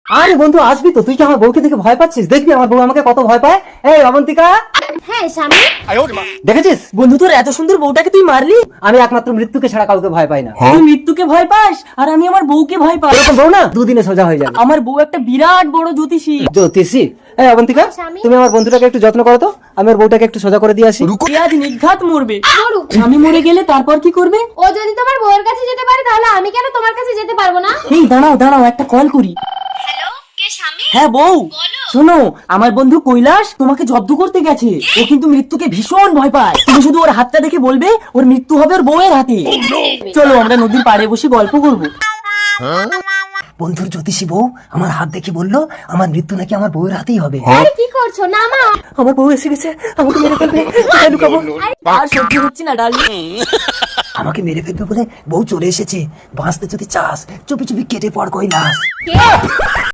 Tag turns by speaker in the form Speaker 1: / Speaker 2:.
Speaker 1: আরে বন্ধু আসবি তো? তুই কি আমার বউকে দেখে ভয় পাচ্ছিস? দেখবি আমার বউ আমাকে কত ভয় পায়। এই অবন্তিকা,
Speaker 2: হ্যাঁ স্বামী।
Speaker 1: দেখেছিস?
Speaker 3: বন্ধু তোর এত সুন্দর বউটাকে তুই মারলি?
Speaker 1: আমি একমাত্র মৃত্যুকে ছাড়া কাউকে ভয় পাই না।
Speaker 3: তুই মৃত্যুকে ভয় পাস আর আমি আমার বউকে ভয় পাই।
Speaker 1: এরকম বউ না দুদিনে সোজা হয়ে যাবে।
Speaker 3: আমার বউ একটা বিরাট বড় জ্যোতিষী।
Speaker 1: জ্যোতিষী? এই অবন্তিকা,
Speaker 2: স্বামী।
Speaker 1: তুমি আমার বন্ধুটাকে একটু যত্ন করো তো, আমি ওর বউটাকে একটু সোজা করে দিয়ে আসি।
Speaker 3: এ আজ নির্ঘাত মরবে।
Speaker 2: মরুক।
Speaker 3: স্বামী মরে গেলে তারপর কি করবে?
Speaker 2: ও যদি তোমার বউয়ের কাছে যেতে পারে তাহলে আমি কেন তোমার কাছে যেতে পারবো না?
Speaker 3: এই দাঁড়াও একটা কল করি।
Speaker 2: হ্যালো, কে স্বামী?
Speaker 3: হ্যাঁ বউ, শোনো আমার বন্ধু কৈলাস তোমাকে জব্দ করতে গেছে। ও কিন্তু মৃত্যুকে ভীষণ ভয় পায়। তুমি শুধু ওর হাতটা দেখে বলবে ওর মৃত্যু হবে ওর বউয়ের হাতে। চলো আমরা নদীর পাড়ে বসে গল্প করবো।
Speaker 1: বন্ধুর জ্যোতিষী বউ আমার হাত দেখে বললো আমার মৃত্যু নাকি আমার বউয়ের হাতেই হবে।
Speaker 2: আরে কি করছো? নামা।
Speaker 1: আমার বউ এসে গেছে, আমাকে মেরে ফেলবে। কোথায় লুকাবো?
Speaker 3: আর সহ্য হচ্ছে না ডার্লিং।
Speaker 1: আমাকে মেরে ফেলবে বলে বউ চলে এসেছে। বাঁচতে যদি চাস চুপি চুপি কেটে পড় কৈলাস।
Speaker 2: কে?